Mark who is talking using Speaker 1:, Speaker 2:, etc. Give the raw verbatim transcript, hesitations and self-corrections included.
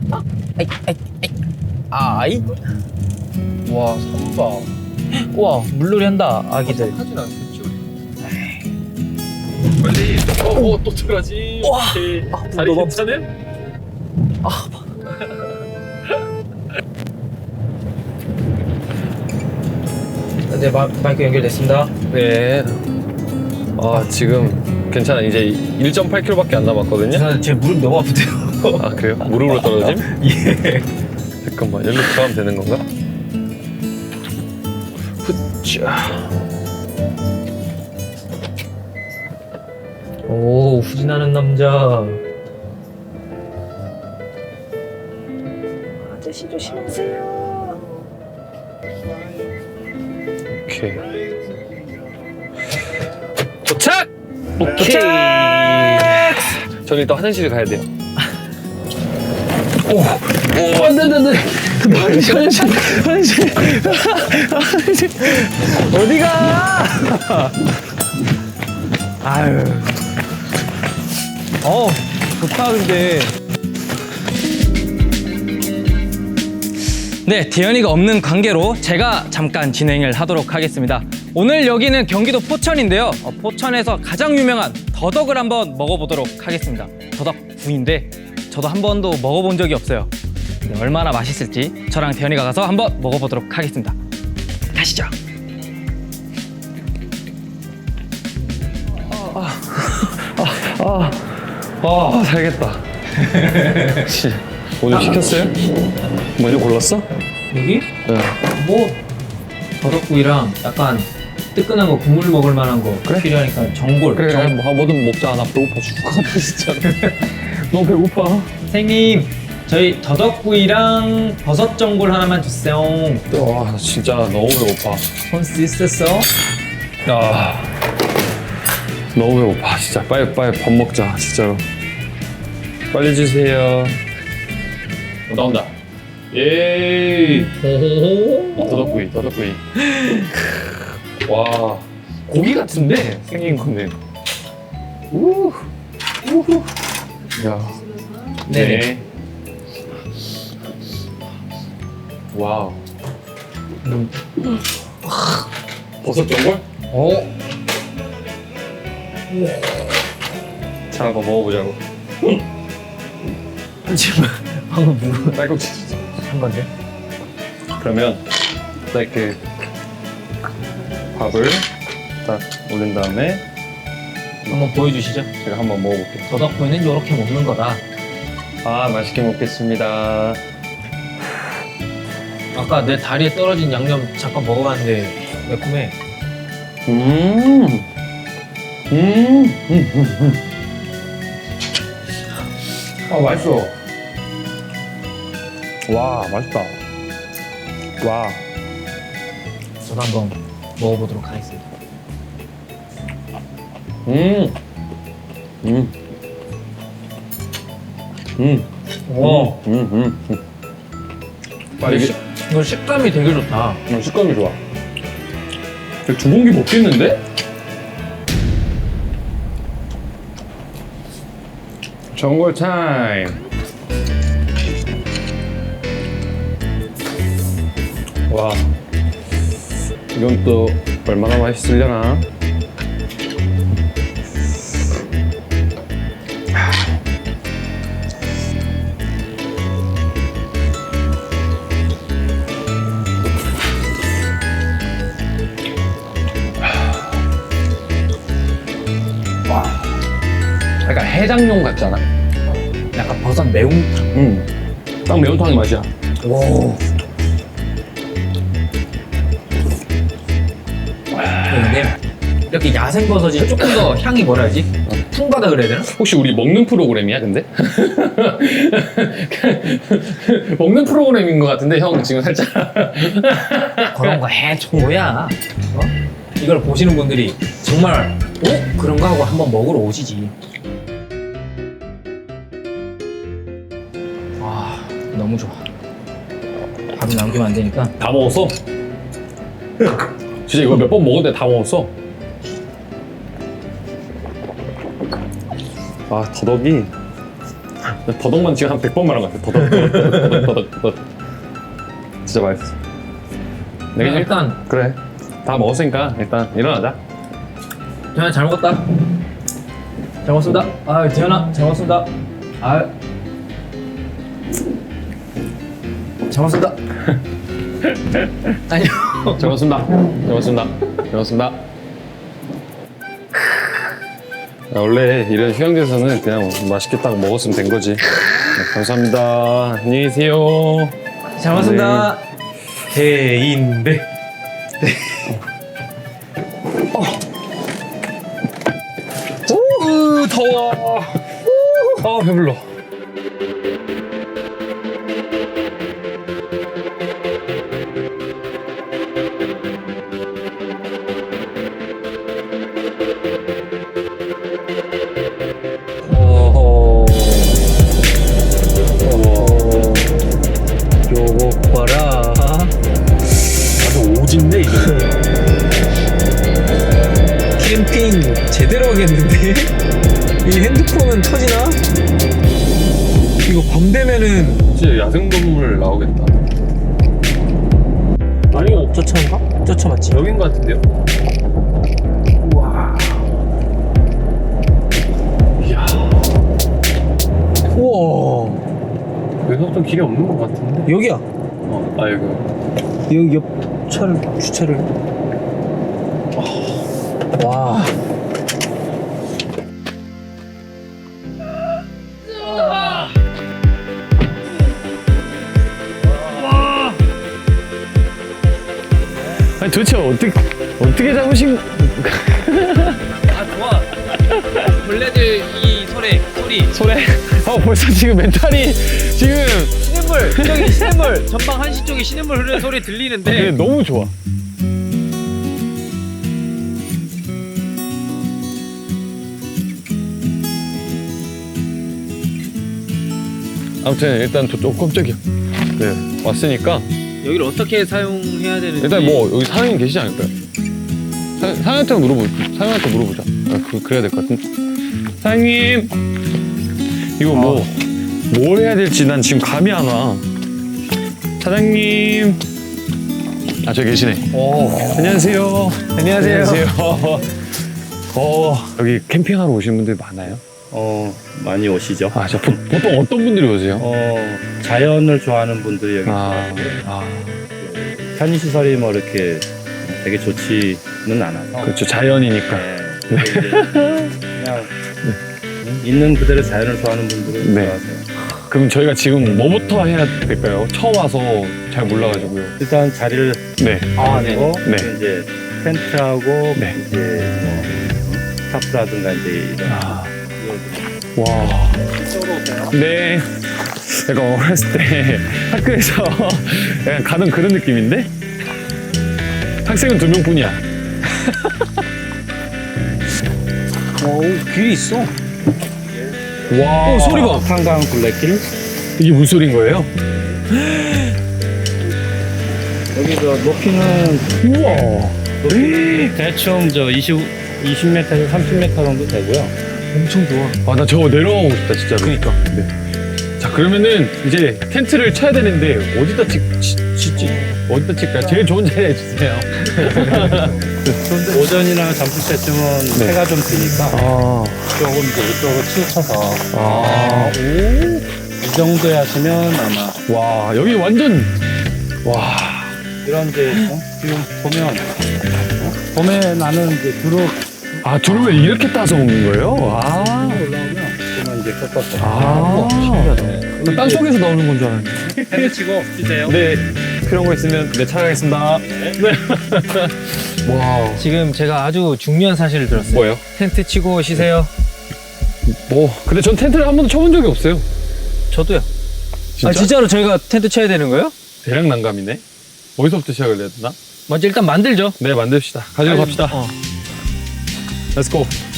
Speaker 1: 아이, 아이, 아이. 아이. 와, 삼바. 우와, 물놀이 한다, 아기들.
Speaker 2: 하진 않겠지 우리. 빨리. 어, 어, 또 들어가지.
Speaker 1: 우와.
Speaker 2: 오케이.
Speaker 1: 아,
Speaker 2: 다리
Speaker 1: 너무
Speaker 2: 괜찮음?
Speaker 1: 아, 네, 마, 마이크 연결됐습니다.
Speaker 2: 네. 아 지금 괜찮아. 이제 일 점 팔 킬로미터밖에 안 남았거든요.
Speaker 1: 저는 제 무릎 너무 아프대요.
Speaker 2: 아 그래요? 무릎으로 떨어짐?
Speaker 1: 예.
Speaker 2: 잠깐만 여기로 들어가면 되는 건가? 후짜.
Speaker 1: 오, 후진하는 남자. 아저씨 조심하세요.
Speaker 2: 오케이. 도착! 오케이.
Speaker 1: 도착!
Speaker 2: 저는 일단 화장실에 가야 돼요.
Speaker 1: 오, 오, 안 돼, 안 돼, 안 돼. 화장실, 화장실, 화장실. 화장실. 어디가? 아유. 어, 좋다, 근데.
Speaker 3: 네, 대현이가 없는 관계로 제가 잠깐 진행을 하도록 하겠습니다. 오늘 여기는 경기도 포천인데요. 어, 포천에서 가장 유명한 더덕을 한번 먹어보도록 하겠습니다. 더덕구이인데 저도 한 번도 먹어본 적이 없어요. 네, 얼마나 맛있을지 저랑 대현이가 가서 한번 먹어보도록 하겠습니다. 가시죠.
Speaker 2: 아, 아 살겠다. 혹시 오늘 시켰어요? 먼저 골랐어?
Speaker 1: 여기?
Speaker 2: 네.
Speaker 1: 뭐, 더덕구이랑 약간 뜨끈한 거, 국물 먹을 만한 거
Speaker 2: 그래?
Speaker 1: 필요하니까 전골.
Speaker 2: 그래,
Speaker 1: 정...
Speaker 2: 뭐, 뭐든 먹자. 나 배고파 죽을 것 같아, 진짜. 너무 배고파.
Speaker 1: 선생님, 저희 더덕구이랑 버섯 전골 하나만 주세요.
Speaker 2: 와, 진짜 너무 배고파.
Speaker 1: 손수 있었어?
Speaker 2: 야, 너무 배고파. 진짜 빨리 빨리 밥 먹자, 진짜로. 빨리 주세요. 어, 나온다. 예. 더덕구이, 더덕구이. 와, 고기 같은데 생긴 건데. 우, 우후. 야,
Speaker 1: 네네.
Speaker 2: 와우.
Speaker 1: 음.
Speaker 2: 버섯 전골?
Speaker 1: 어?
Speaker 2: 자, 한번 먹어보자고.
Speaker 1: 하지만 방금 누구
Speaker 2: 딸꾹질
Speaker 1: 한 건데?
Speaker 2: 그러면 딱 이렇게 밥을 딱 올린 다음에
Speaker 1: 한번 보여주시죠.
Speaker 2: 제가 한번 먹어볼게요.
Speaker 1: 더덕구이는 이렇게 먹는 거다.
Speaker 2: 아, 맛있게 먹겠습니다.
Speaker 1: 아까 내 다리에 떨어진 양념 잠깐 먹어봤는데 매콤해.
Speaker 2: 음, 음, 음, 음, 음. 아, 맛있어. 와, 맛있다. 와,
Speaker 1: 저도 한번 먹어보도록 하겠습니다.
Speaker 2: 음, 음, 음,
Speaker 1: 와,
Speaker 2: 음, 음, 음. 아, 이게
Speaker 1: 이거 식감이 되게 좋다.
Speaker 2: 음, 식감이 좋아. 두 공기 먹겠는데? 전골 타임. 와, 이건 또 얼마나 맛있으려나? 와, 약간 해장용 같잖아.
Speaker 1: 약간 버섯 매운탕.
Speaker 2: 음, 딱 매운탕의 맛이야.
Speaker 1: 오. 근데 이렇게 야생버섯이 조금 더 향이 뭐라 하지? 풍부하다 그래야 되나?
Speaker 2: 혹시 우리 먹는 프로그램이야, 근데? 먹는 프로그램인 것 같은데, 형 지금 살짝.
Speaker 1: 그런 거 해줘야 어? 이걸 보시는 분들이 정말 어? 그런가 하고 한번 먹으러 오시지. 와, 너무 좋아. 밥이 남기면 안 되니까.
Speaker 2: 다 먹었어? 진짜 이거 몇 번 먹었는데 다 먹었어? 아, 더덕이 더덕만 지금 한 백 번 말한 것 같아. 더덕, 더덕, 더덕, 더덕, 더덕. 진짜 맛있어. 내가
Speaker 1: 네, 일단
Speaker 2: 그래. 다 먹었으니까 일단 일어나자.
Speaker 1: 재현아 잘 먹었다. 잘 먹었습니다. 아 재현아 잘 먹었습니다. 아 잘 먹었습니다. 아니요.
Speaker 2: 잘 먹었습니다. 잘 먹었습니다. 잘 먹었습니다. 야, 원래 이런 휴양지에서는 그냥 맛있게 딱 먹었으면 된 거지. 네, 감사합니다. 안녕히 계세요.
Speaker 1: 잘 먹었습니다. 대인배.
Speaker 2: 우 더워. 아 배불러.
Speaker 1: 어허. 어허. 요거 봐라.
Speaker 2: 아주 오진데 이거.
Speaker 1: 캠핑 제대로 하겠는데? 이 핸드폰은 터지나? 이거 밤 되면은
Speaker 2: 진짜 야생동물 나오겠다.
Speaker 1: 아니 저 차인가? 저 차 맞지?
Speaker 2: 여긴 것 같은데요?
Speaker 1: 우와.
Speaker 2: 이야.
Speaker 1: 우와.
Speaker 2: 여기서부터 길이 없는 것 같은데?
Speaker 1: 여기야.
Speaker 2: 어, 아 여기.
Speaker 1: 여기 옆 차를 주차를. 와.
Speaker 2: 아니 도대체 어떻게 어떻게 잡으신?
Speaker 3: 아 좋아. 벌레들 이 소리 소리.
Speaker 2: 소래? 어 벌써 지금 멘탈이 지금
Speaker 3: 시냇물 저기 시냇물 전방 한시 쪽에 시냇물 흐르는 소리 들리는데.
Speaker 2: 네, 너무 좋아. 아무튼 일단 저쪽 깜짝이야. 네 왔으니까
Speaker 3: 여기를 어떻게 사용해야 되는지.
Speaker 2: 일단 뭐 여기 사장님 계시지 않을까요? 사, 사장님한테 물어보 사장님한테 물어보자. 아, 그 그래야 될 것 같은데. 사장님 이거 뭐 뭘 해야 될지 난 지금 감이 안 와. 사장님 아 저기 계시네.
Speaker 1: 오.
Speaker 2: 안녕하세요.
Speaker 1: 안녕하세요.
Speaker 2: 어 여기 캠핑하러 오시는 분들 많아요?
Speaker 4: 어, 많이 오시죠.
Speaker 2: 아, 저 보, 보통 어떤 분들이 오세요?
Speaker 4: 어, 자연을 좋아하는 분들이 여기
Speaker 2: 아,
Speaker 4: 있고
Speaker 2: 아,
Speaker 4: 편의시설이 뭐 이렇게 되게 좋지는 않아서
Speaker 2: 그렇죠. 자연이니까.
Speaker 4: 네, 근데 이제 그냥 있는 그대로 자연을 좋아하는 분들은
Speaker 2: 네.
Speaker 4: 좋아하세요.
Speaker 2: 그럼 저희가 지금 뭐부터 해야 될까요? 처음 와서 잘 몰라가지고요.
Speaker 4: 일단 자리를
Speaker 2: 네.
Speaker 1: 아, 네.
Speaker 4: 하고
Speaker 2: 네.
Speaker 4: 이제 텐트하고
Speaker 2: 네.
Speaker 4: 이제 뭐 스타프라든가 이제 이런
Speaker 2: 아, 와. 네. 제가 어렸을 때 학교에서 약간 가던 그런 느낌인데? 학생은 두 명뿐이야.
Speaker 1: 오, 길이 있어.
Speaker 2: 와.
Speaker 1: 오, 소리 봐.
Speaker 4: 한강 둘레길
Speaker 2: 이게 무슨 소리인 거예요?
Speaker 4: 여기 저 높이는
Speaker 2: 우와.
Speaker 4: 높이 대충 저 이십, 이십 미터에서 삼십 미터 정도 되고요.
Speaker 1: 엄청 좋아.
Speaker 2: 아, 나 저거 내려가고 싶다, 진짜. 그니까. 네. 자, 그러면은 이제 텐트를 쳐야 되는데, 어디다 찍, 치, 치지? 어디다 칠까요? 제일 좋은 자리 해주세요.
Speaker 4: 오전이나 점심 때쯤은
Speaker 2: 네.
Speaker 4: 해가 좀 지니까
Speaker 2: 아,
Speaker 4: 조금 이제 이쪽으로 치우쳐서
Speaker 2: 아,
Speaker 4: 이 정도에 하시면 아마
Speaker 2: 와, 여기 완전, 와,
Speaker 4: 이런 이제 어? 지금 보면 어? 봄에 나는 이제 두릅
Speaker 2: 아, 두릅을 이렇게 따서 먹는 거예요? 아,
Speaker 4: 올라오면 그러면 이제 꺾어서
Speaker 2: 아, 신기하다. 땅 속에서 나오는 건 줄 알았는데.
Speaker 4: 텐트 치고 주세요.
Speaker 2: 네, 필요한 거 있으면 네, 찾아가겠습니다. 네. 와,
Speaker 3: 지금 제가 아주 중요한 사실을 들었어요.
Speaker 2: 뭐예요?
Speaker 3: 텐트 치고 쉬세요.
Speaker 2: 뭐, 근데 전 텐트를 한 번도 쳐본 적이 없어요.
Speaker 3: 저도요.
Speaker 2: 진짜?
Speaker 3: 아 진짜로 저희가 텐트 쳐야 되는 거예요?
Speaker 2: 대략 난감이네. 어디서부터 시작을 해야 되나?
Speaker 3: 먼저 일단 만들죠.
Speaker 2: 네, 만듭시다. 가지고 갑시다.
Speaker 3: 어.
Speaker 2: Let's go.